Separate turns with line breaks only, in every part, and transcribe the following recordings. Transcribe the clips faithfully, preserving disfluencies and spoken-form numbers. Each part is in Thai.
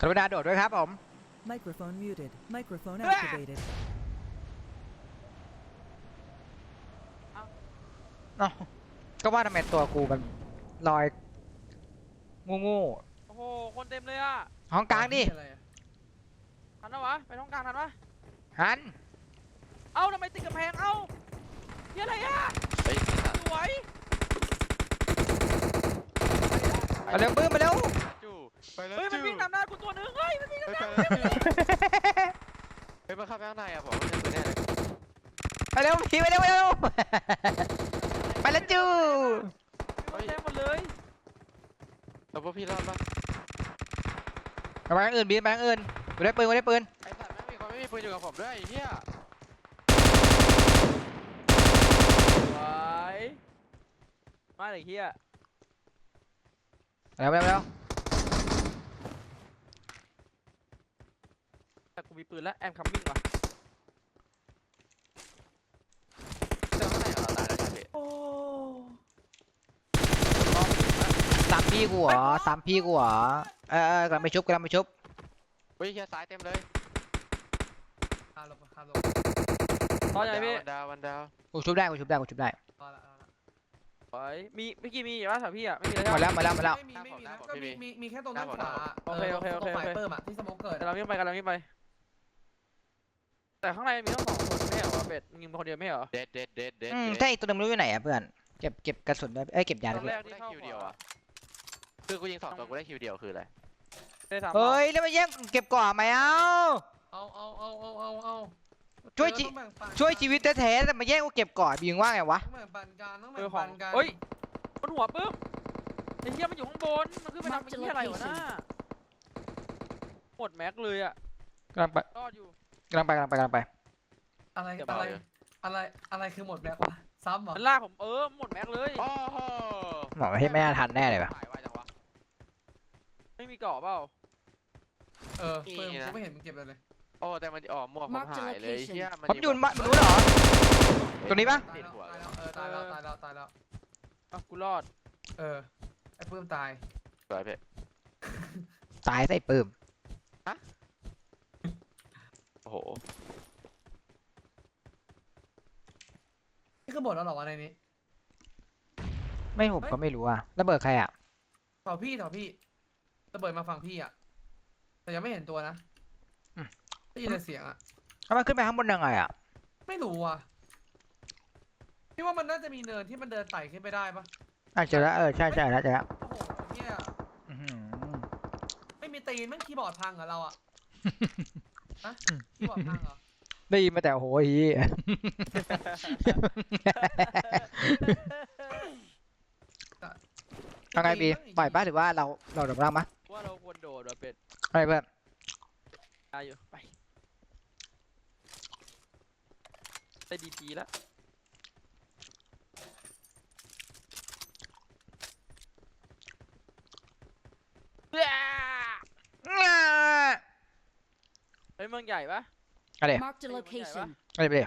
กรุณาโดดด้วยครับผม
Microphone muted. Microphone activated.
เนาะก็ว่าทำไมตัวกูมันลอยงูงู
โอ้โหคนเต็มเลยอ่ะ
ห้องกลางดิ
ทันปะวะไปท้องกลางทันปะ
หัน
เอ้าทำไมติดกำแพงเอ้าเฮียอะไรอ่ะ
เฮ้ย
สวย
เอาเร็วปื้มมาเร็ว
จู่ไปแล้ว
เฮ้ยมัน
จู่
วิ่งนำหน้ากูตัวนึงเฮ้ยมันวิ่ง
ไป
นำห
ไป
น้า
แล้วจู่เฮ้ยมาเข้าไปข้างในอ่ะผมไม่ได้ปืนแน่เลย
ไปเร็วพี่ไปเร็วไปเร็วไปแล้วจู
เต็มหมดเลย
แล้วพวกพี่รอดปะ
ไปทางอื่นบินไปทางอื่นกูได้ปืนกูได้ปืน
ไอ้สัตว์แม่งมีคนไม่มีปืนอยู่กับผมด้วยไอ้เหี้ย
สวยมาเลยเฮีย
เร็วเร็วเร็ว
แต่กูมีปืนแล้วแอมคัมมิ่งว่ะ
เจอข้างในเหรอตายแล้วใช่พี่
โอ้
สามพี่กูเหรอสามพี่กูเหรอเออเออกำลังไปชุบกำลังไปชุบ
เฮ้ยเหี้ยซ้ายเต็มเลย
ข้ามลงข้ามลง
ตอนใหญ่พี่
วันดาววันดาว
กูชุบได้กูชุบได้กูชุบได้
พอละพอละ
สวยมีเมื่อกี้มีอยู่ว่าแถวพี่อ่ะไม่มีเลย
หมด
ใช่
แล้วหมดแล้วหมดแล้ว
ไม่มีไม่มีนะก็มีมีมีแค่ตรงด้านขวา
โอเคโอเคโอเค
ตรงไฟเปิมอะที่สโมกเกิด
แต่เราวิ่งไปกันเราวิ่งไป แต่ข้างในมีต้องสองคนไม่เหรอวะเป็ดยิงคนเดียวไม่เหรอ
เด็ดเด็ดเด็ดเด็ด
อืมใช่อีกตัวหนึงไม่รู้อยู่ไหนอ่ะเพื่อนเก็บเก็บกระสุนได้เอ้ยเก็บยา
ต
ได้
อน
ด้
แร
วย
กที่
ได้
เข้า
คิวเดียวอ่ะคือกูยิงสองตัวกูได้คิวเดียวคืออะไร
ได้สาม
เฮ้ยแล้วมาแย่งเก็บก่อนไหมเอ้า
เอาเอาเอาเอาเอาเอา
ช่วยจิ
ต้องแบ่งปัน
ช่วยชีวิตแท้ๆแต่มาแย่งกูเก็บก่อนบิงว่าไงวะ
ต้องแบ่งปันกันต้อง
เอ
แบ่
อง ขอ
ปั
ง
นกัน
เฮ้ยบนหัวปึ๊บไอ้เหี้ยมันอยู่ข้างบนมันขึ้นไปทำไอ้เหี้ยอะไรวะน่าหมดแม็กเลยอ่ะ
กำลังไป
รอดอยู่
กำลังไปกำลังไปกำลังไป
อะไร
เดี๋ยว
อะไร
เดี๋ยว
อะไรอะไรคือหมดแบ็ควะซ้ำเหรอ
มันลากผมเออหมดแม็กเลย
โอ้โห
หมอให้แม่ทันแน่เลยปะ
หายไวจังวะ
ไม่มีเกาะเปล่า
เออเปิมกูไม่เห็นมึงเก็บเลยเลย
โอ้แต่มันอ๋อหมวกผมหายเลยเหี้ยมัน
ผมอยู่มันรู้เหรอ ตัวนี้ปะ
ตายแล้วตายแล้วเออตายแล้วตายแล้วตายแล้ว
อ่ะกูรอด
เออไอ้เปิมตาย
สวยเพ่
ตายใส่ปืม
โอ้โห
นี่คือหมดแล้วเหรอวะในนี้
ไม่ผมก็ไม่รู้อ่ะระเบิดใครอ่ะ
แถวพี่แถวพี่ระเบิดมาฝั่งพี่อ่ะแต่ยังไม่เห็นตัวนะได้ยินแต่เสียงอ่ะ
แล้วมันขึ้นไปข้างบนยังไงอ่ะ
ไม่รู้อ่ะพี่ว่ามันน่าจะมีเนินที่มันเดินไต่ขึ้นไปได้ปะ
อ่ะเจอแล้วเออใช่ใช่แล้วเจอแล้ว
โอ้โหเนี่ย
อื้อหือ
ไม่มีตีนแม่งคีย์บอร์ดพังเหรอเราอ่ะฮะคีย์บอร์ดพังเหรอ
ได้ยินมาแต่โหย เอาไงบีปล่อยป้าหรือว่าเราเราดับร่างปะ
ว่าเราควรโดดว่ะเป็ด
อะไรเพื่อน
ตายอยู่ไปได้ดีทีแล้วเฮ้ยเมืองใหญ่ปะ
อะไร
Marked a location.
อะไรไปเลย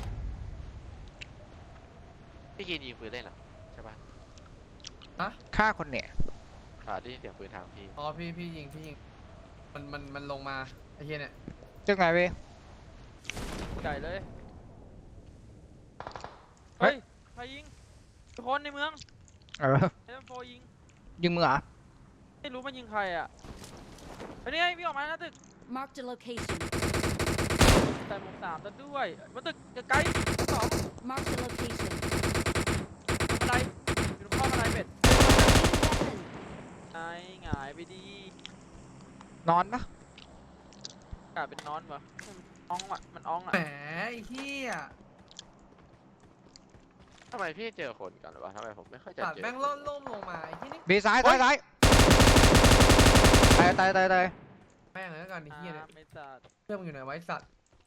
พี่กินยิงปืนเล่นเหรอใช่ปะ
ฆ่าคนเนี่ย
อ่าได้ยินเสียงปืนทางพี่
อ๋อพี่พี่ยิงพี่ยิงมันมันมันลงมาไอ้เหี้ยเนี่ย
จังไงเว้ย
ใหญ่เลย
เฮ้
เฮ้
ย
ยใครยิงทุกคนในเมือง
เออ
เอ็มโฟยิง
ยิงมือเหรอ
ไม่รู้มันยิงใครอ่ะไอ้นี่ไงวิ่งออกมาหน้าตึก
Marked a location.
ใส่หมวกสามแล้วด้วยมาตึกไกลๆสอง
Marked a location.
บันไดอยู่ตรงข้อบันไดเป็ด
Weapon.
ไอ้หงายไปดี
นอนปะ
กลายเป็นนอนวะมันอ้องอ่ะมันอ้องอ่ะ
แหมไอ้เหี้ย
ทำไมพี่เจอคนกันวะทำไมผมไม่ค่อยจะ
ตัด
เจอ
แม่งล่นล่มลงมาไอ้ที่นี่
บีซ้ายซ้ายซ้ายตายตายตายตาย
แม่งเลยแล้วกันไอ้เหี้ยเนี่ย
อ่าไม่จัด
เพื่อนมึงอยู่ไหนไวะไอ้สัตว์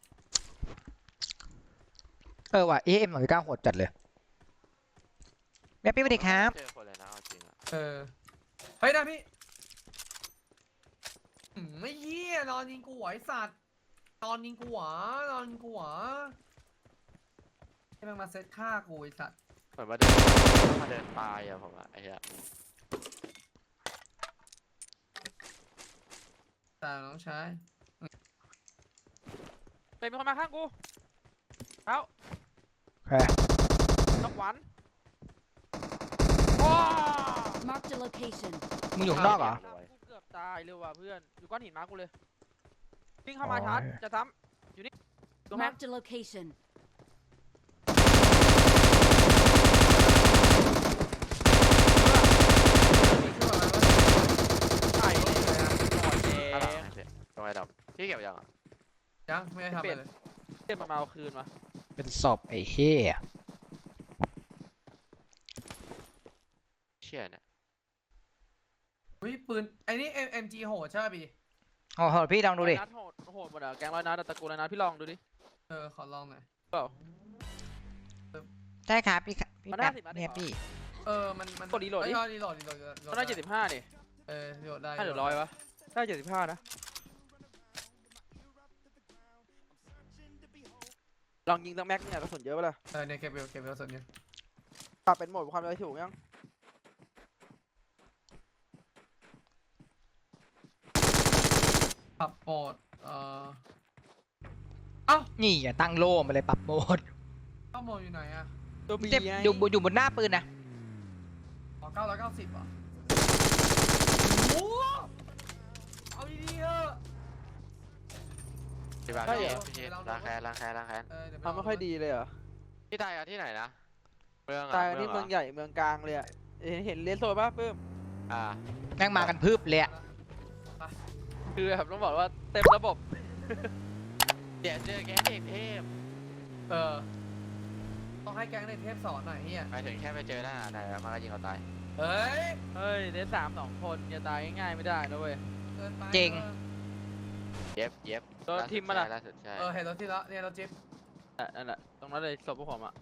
เออว่ะเอ็มหน่อยก้าโหดจัดเลยแม่พี่สวัสดีครับ
เจอคนเลยนะเอาจริงอะ
เออเฮ้ยนะพี่อืมไม่เหี้ยนอนยิงกูไหวะไอ้สัตว์นอนยิงกูหวานอนยิงกูหวาให้แม่งมาเซตฆ่ากูไอ้สัตว์
เหมือนมาเดินมาเดินตายอะผมอะไอ้เหี้ย
แต่ตามน้องชาย
เป็นมีคนมาข้างกูแล้ว
โอเค
นกหวานว้า
Marked a location.
มึงอยู่ข้างนอกเหรอ
กูเกือบตายเลยว่ะเพื่อนอยู่ก้อนหินมากูเลยวิ่งเข้ามาชาร์จจะซ้ำอยู่นี่ตัวแม็ก
Marked a location.
มีเครื่องอะไรวะ
ไข่เลยหมด
ข้างหลัง
แดง
ไอ้พี่ตรงไอ้ดำพี่เก็บยังอ่ะ
ยังไม่ได้ทำอะไรเลย
เต็มมาเอาคืนมา
เป็นศพไอ้เหี้ย
เชี่ยเนี่ย
อุ้ยปืนไอ้นี่ เอ็ม จี โหดใช่ป่ะพี่
โอ้โหพี่ลองดูดิ
ร้อยนัดโหดโหดหมดอ่ะแกงร้อยนัดอะตระกูลร้อยนัดพี่ลองดูดิ
เออขอลองหน่อย
เปล่า
ใช่ครับพี่ครับพี่
มัน
แป๊
ห้า
บ
สิบนัดเอง
เนี่ย
เหรอ
พี่
เออมันมัน
กดรีโหลดดิ
เอ้ยรีโหลดรีโหลดรีโหลด
มันได้เจ็ดสิบห้าดิ
เออรีโหลดได้
ห้าหรือร้อยวะได้เจ็ดสิบห้านะลองยิงตั้งแม็กเนี่ยกระสุนเยอะปะล่ะ
เออเนี่ยเก็บเวลเก็บเวลส่วนนี้
ปรับเป็นโหมดความเร็วถูกยัง
ปรับโหมดเอ่อเอ้า
นี่อย่าตั้งโล่มาเลยปรับโหมด
เข้าโหมดอยู่ไหนอะ
ตัวบี
เจ็บ
ไง
อยู่บนอยู่บนหน้าปืนนะ
อ๋อเก้าร้อยเก้าสิบอ่ะโอ้โหเอาดีๆเถอะ
พี่บ้าน
ใช่เหรอ
พี่ชิดล้างแค้นล้างแค้นล้างแค้น
เออเดี๋ยวป
ทำไม่ค่อยดีเลยเหรอ
พี่ตายอะที่ไหนนะเมืองอะ
ตายกันที่
หร
เมืองใหญ่เมืองกลางเลยอ่ะเห็นเห็นเลนโซนป่ะปื้ม
อ่า
แม่งมากันพึบเลยอะ
คือแบบต้องบอกว่าเต็มระบบ
เดี๋ยวเจอแก๊งเด็กเทพ
เออต้องให้แก๊งในเทพสอนหน่อยเฮีย
หมายถึงแค่ไปเจอหน้าไหนแล้วมันก็ยิงเราตาย
เฮ้ย
เฮ้ยเลนสามสองคนจะตายง่ายๆไม่ได้นะเว้ย
เกินไป
จริง
เย็บเย็บ
โดนทิมมาล่ะ
ล่าสุดใช่
เออเห็นรถที่ละเนี่ยรถจิ๊บ
อ่ะนั่นแหละตรงนั้นเลยศพพวกผมอ่ะ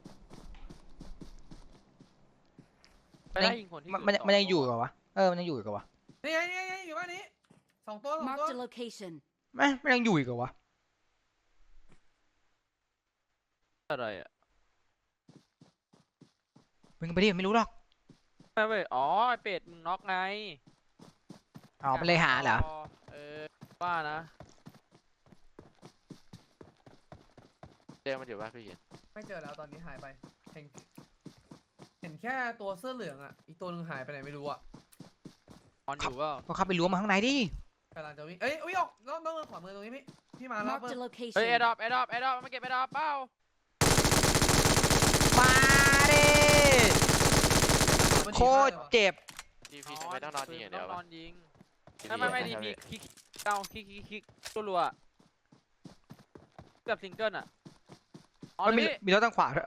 ไม่ได้ยิงคนที่
มันมันมันยังอยู่เหรอวะเออมันยังอยู่อีกเหรอวะ
นี่ไงนี่ไงอยู่บ้านนี้สองตัวสองตัว
Marked a location.
แม่งมันยังอยู่อีกเหรอวะ
อะไรอ่ะ
มึงไปดิไม่รู้หรอก
ไม่เว้ยอ๋อไอเป็ดมึงน็อกไง
อ๋อมันเลยหาเหรอ
เออว่านะ
เจอมันอยู่ป่ะพี่ชิด
ไม่เจอแล้วตอนนี้หายไปเห็นเห็นแค่ตัวเสื้อเหลืองอ่ะอีกตัวหนึงหายไปไหนไม่รู้อ่ะ
ออนอยู่เปล่า
ก็เข้าไปล้วงมาข้างในดิ
กำลังจะวิ่งเอ้ยอุ้ยออกน้องน้องขวามือตรงนี้พี่พี่มาแล้ว
Marked
เพิ่
a
ม
location.
เฮ้ยแอร์ดรอปแอร์ดรอปแอร์ดรอปมาเก็บแอร์ดรอปเปล่า
มาดิ
มัน
โค
ดีมาก
ตร
เลยว่ะ
เจ็บ
ทีพีทำไมต้องนอนยิงอย่างเดียว
ต้องน
วะ
อนยิงไม่ไม่ไม่ดีพีคลิกเก้าคลิกคลิกคลิกตัวรัวอะเกือบซิงเกิลอ่ะอ๋อ
มันมี
พี่
มีรถทางขวาด้วย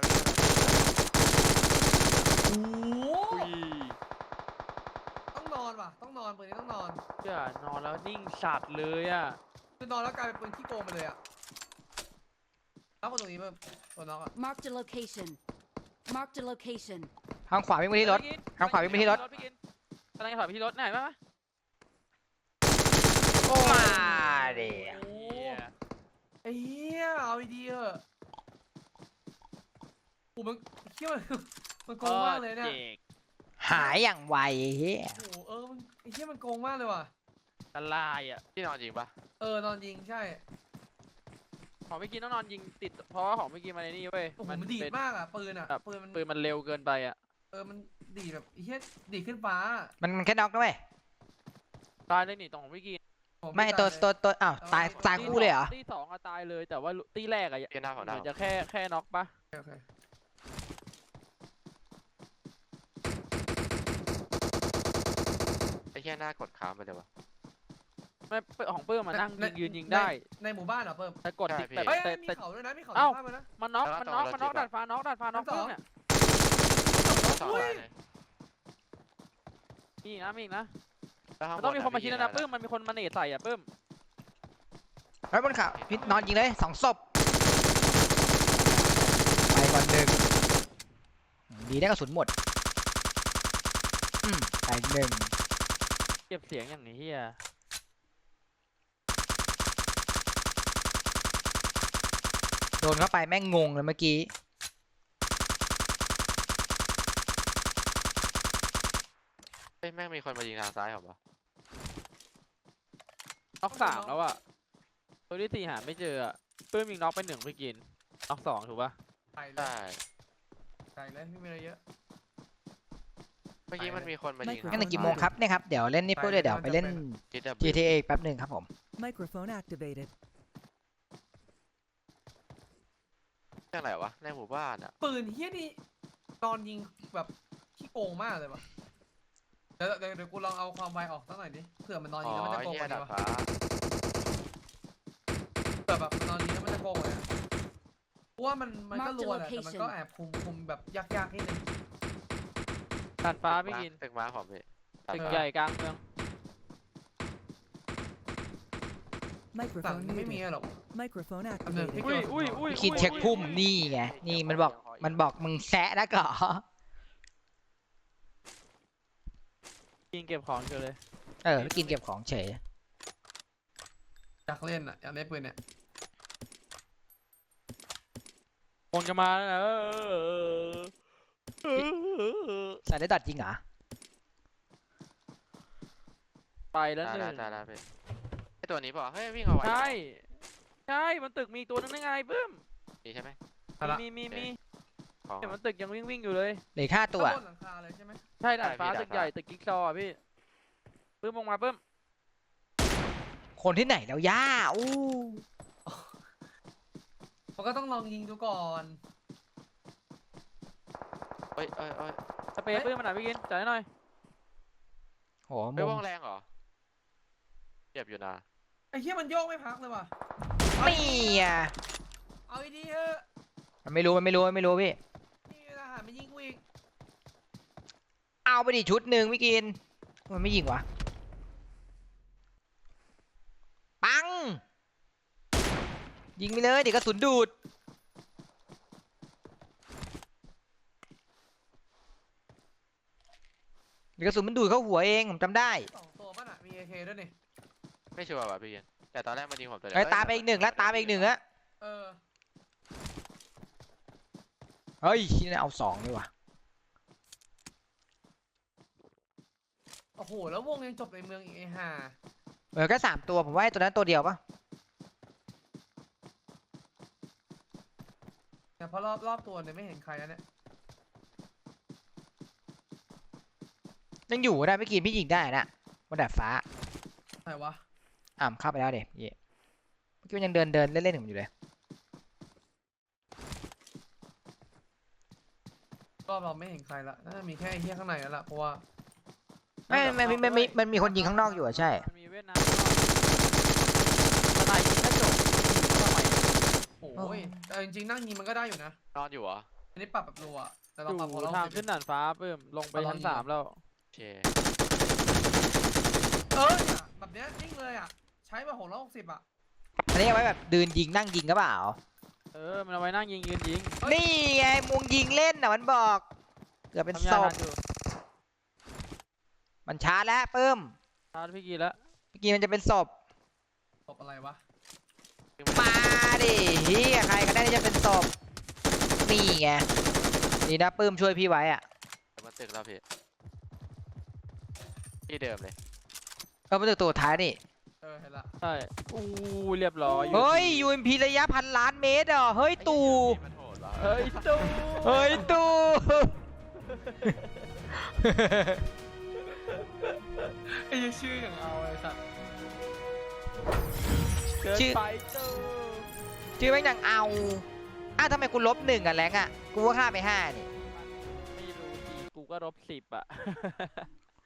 โอ้โห
อุ้ย
ต้องนอนว่ะต้องนอนปืนนี้ต้องนอน
เจ้านอนแล้วนิ่งสัตว์เลยอ่ะ
คือนอนแล้วกลายเป็นปืนขี้โกงไปเลยอ่ะแล้วคนตรงนี้เพิ่มตัวน็อกอ่ะ
Marked a location. Marked a location.
ทางขวาวิ่งไปที่รถ ทางขวาวิ่งไปที่รถ
พี่กินกำลังจะถอยไปที่รถไหนปะ
มาดิ
โอ้ไอ้เหี้ยเอาดีๆเถอะโอ้มันเหี้ยมันมันโกงมากเลยเนี่ย
หายอย่างไวเฮ้ย
โอ้โหเออมันไอ้เหี้ยมันโกงมากเลยว่ะ
ตะลายอ่ะ
พี่นอนจริงปะ
เออนอนยิงใช่
ของพี่กินต้องนอนยิงติดเพราะว่าของพี่กินมาในนี่เว้ย
โอ้โหมันดีด
เป็น
มากอ่ะปืนอ่ะ
แบบ
ปืนมัน
ปืนมันเร็วเกินไปอ่ะ
เออมันดีดแบบไอ้เหี้ยดีดขึ้นฟ้า
มันมันแค่น็อกนะเว้ย
ตายเลยนี่ตรงของพี่กิน
ผม
ไม่ตัว
ตายเลย
ตัวตัวอ้าวตายตายคู่เลยเหรอ
ตีสองอะตายเลยแต่ว่าตีแรกอะ
พี่หน้า
เห
ของ
มื
ดา
อ
วน
จะแค่แค่น็อกปะ
โอเค
ไอ้แค่หน้ากดค้างไปเลยวะ
ไม่ของเปิ้ลมานั่ง
ใน
ยิงยืนยิงได้
ในในหมู่บ้านเหรอเพิ่ม
แต่กด
ใช่
ติ๊ก
พี่
แต่
เฮ้ย
แต่
มี
แต่
เขาด้วยนะมีเขา
เอ้า
ในบ้านด้วยนะ
มันน็อก
แล้ว
มัน
ก็
น็อก
ตรง
มันน็อก
รถจิ๊
ดั
บ
ดฟ้าน็อกดัดฟ้าน็อก
ชั้นสอง
เพิ่มเนี่ย
สอง
อุ้
ราย ยเลย
มีอีกนะมีอีกนะ
แล้วข้าง
มันต้องมีคนมา
ะ
คิดนะ
พี่
นะเพิ่มมันมีคนมาเนตใส่อะเพิ่ม
ไอ้บนเขาพี่นอนยิงเลยสองศพไปก่อนหนึ่งดีได้กระสุนหมดอืมไปหนึ่ง
เก็บเสียงอย่างนี้เฮีย
โดนเข้าไปแม่งงงเลยเมื่อกี้
เฮ้ยแม่งมีคนมายิงทางซ้ายเหรอวะ
น็อกสามแล้วอะตัวที่สี่หาไม่เจออะปื้มยิงน็อกไปหนึ่งพี่กินน็อกสองถูกปะ
ใส่เล
ได้
ยใส่เลยไม่มีอะไรเยอะ
เมื่อกี้มันมีคนมายิง
งั้นในกี่โมงครับเนี่ยครับเดี๋ยวเล่นนี่ปุ๊บเลยเดี๋ยวไปเล่น
จีดับ
จี ที เอ แป๊บหนึ่งครับผม
Microphone activated.
เรื่องอะไรวะในหมู่บ้านอ่ะ
ปืนเฮี้ยนี่ตอนยิงแบบขี้โกงมากเลยวะเดี๋ยวเดี๋ยวเดี๋ยวกูลองเอาความไวออกสักหน่อยดิเผื่อมันนอน
อ๋
ยิ
อง
แล้วมันจะโกง
เฮี
ก
ย
ว่านี้
ดาด
วะ
ฟ้า
เผื่อแบบมันนอนยิงแล้วมันจะโกงกว่านี้เพราะว่ามันมันก็
Mark the
รัวแหละแต่มันก็
location
แอบคุมคุมแบบยากๆนิดนึง
ตัดฟ้าพี่กิน
ตึกม้าผมพี่
ตึกใหญ่กลางเมือง
สั่ง
Microphone
ไม่มี
muted.
หรอก
Microphone
อันหนึ่ง
activated.
พี่
อุ้ยอุ้ยอุ้ย
คิดเช็คพุ่มนี่ไงนี่มันบอกมันบอกมึงแซะนะก่อ
กินเก็บของอยู่เลย
เออกินเก็บของเฉย
อยากเล่นอ่ะอยากเล่นปืนเนี่ย
คงจะมาเออ
ใส่ได้ตัดจริงเหรอ
ไปแล้ว
ได้
ห
แล้
นึ่
ว
ง
ได้แล้วพี่ไอตัวนี้บอกเฮ้ยวิ่งเอาไว้
ใช่ใช่มันตึกมีตัวนึงได้ไงปื้ม
นี่ใช่ไหม
เอาละ
มีมีมี
ของ
เห็นมันตึกยังวิ่งวิ่งอยู่เลย
เหลือค่าตัว
ข้างบนหลังคาเลยใช่ไหม
ใช่ดาดฟ้า
ใช่พี่
ตึกใหญ่
ดาดฟ้า
ตึกกิ๊กซอว์อะพี่ปื้มลงมาปื้ม
คนที่ไหนแล้วย่าอู้
มันก็ต้องลองยิงดูก่อน
เอ้ยเอ้ยเอ้ย
สเปรย์ปื้มมันหน่อยพี่กินจ่ายหน่อย
โห
ไม่
มุ
ว
ม
งแรงเหรอเจ็บอยู่นะ
ไอ้เหี้ยมันโยกไม่พักเลยว่ะ
นี่อ่ะ
เอาดีๆเถอะ
มันไม่รู้มันไม่รู้มันไม่รู้พี่
นี่ทหารมันยิงกูอีก
เอาไปดิชุดหนึ่งไม่กิน มันไม่ยิงวะ ปัง ยิงไปเลยเดี๋ยวกระสุนดูด เดี๋ยวกระสุนมันดูดเข้าหัวเองผมจำได้
สองตัวป่ะน่ะมี เอ เค ด้วยนี่
ไม่ชัวร์ว่ะพี่เกนแต่ตอนแรกมันยิงผมตัวเดียว
เอ้ยตามไปอีกหนึ่งแล้วตามไปอีกหนึ่งอะ
เออ
เฮ้ยนี่เอาสองดีกว่า
โอ้โหแล้ววงยังจบในเมืองอีกไอ้ห่า
เออแค่สามตัวผมว่าไอ้ตัวนั้นตัวเดียวปะ
เนี่ยเพราะรอบรอบตัวเนี่ยไม่เห็นใครแล้วเนี่ย
ยังอยู่ได้ไม่กินพี่ยิงได้นะบนดาดฟ้า
ไหนวะ
อ่ามเข้าไปแล้วเด็กเย่เมื่อกี้มันยังเดินเดินเล่นๆของมันอยู่เลย
รอบเราไม่เห็นใครละน่าจะมีแค่ไอ้เหี้ยข้างในแล้วล่ะเพราะว่า
ไม่ไม่ไม่ไม่ไม่มันมีคนยิงข้างนอกอยู่อะใช่
มันมีเวียดนามสไนยิงกระจกทำไม
โอ้ยแต่จริงๆนั่งยิงมันก็ได้อยู่นะ
นอนอยู่เหรอ
อันนี้ปรับแบบรัวอะแต่
อ
เราปรับพอยู่ เรา
ทางขึ้นด่านฟ้าปื้มลงไปชั้นสามแล้ว
โอเค
เออเนี่ยแบบเนี้ยนิ่งเลยอ่ะใช้มาหกร้อยหกสิบอ่ะ
อันนี้เอาไว้แบบดืนยิงนั่งยิงก็เปล่า
เออมันเอาไว้นั่งยิงยืนยิง
นี่ไงมุงยิงเล่นน่ะมันบอก เกือบเป็น
ทำ
ศ
ยา
พ
ทันอยู่
มันช้าแล้วเพิ่ม
ชาร์จพี่กีแล้ว
เมื่อกี้มันจะเป็นศพ
ตบอะไรวะ
มาดิเฮียใครก็ได้ที่จะเป็นศพนี่ไงดีนะปื้มช่วยพี่ไว้อะ
เดี๋ยวมันตึกแล้วพี่ที่เดิมเลย
เออมันตัวตัวท้ายนี่
เออเห็นละ
ใช่อู้เรียบร้อย
เฮ้ย ยู เอ็ม พี ระยะพันล้านเมตรเหรอเฮ้ยตู่
ไอ้เหี้ยมันโหดวะ
เฮ้ยตู้
เฮ้ยตู่
ไอ้เหี้ยชื่ออย่างเอาไอ้สัตว์
เกินไปตู้
ชื่อแม่งดังเอาอ้าวทำไมกูลบหนึ่งอะแรงอะกูว่าฆ่าไปห้านี่
ไม่รู้ดีกูก็ลบสิบอ่ะ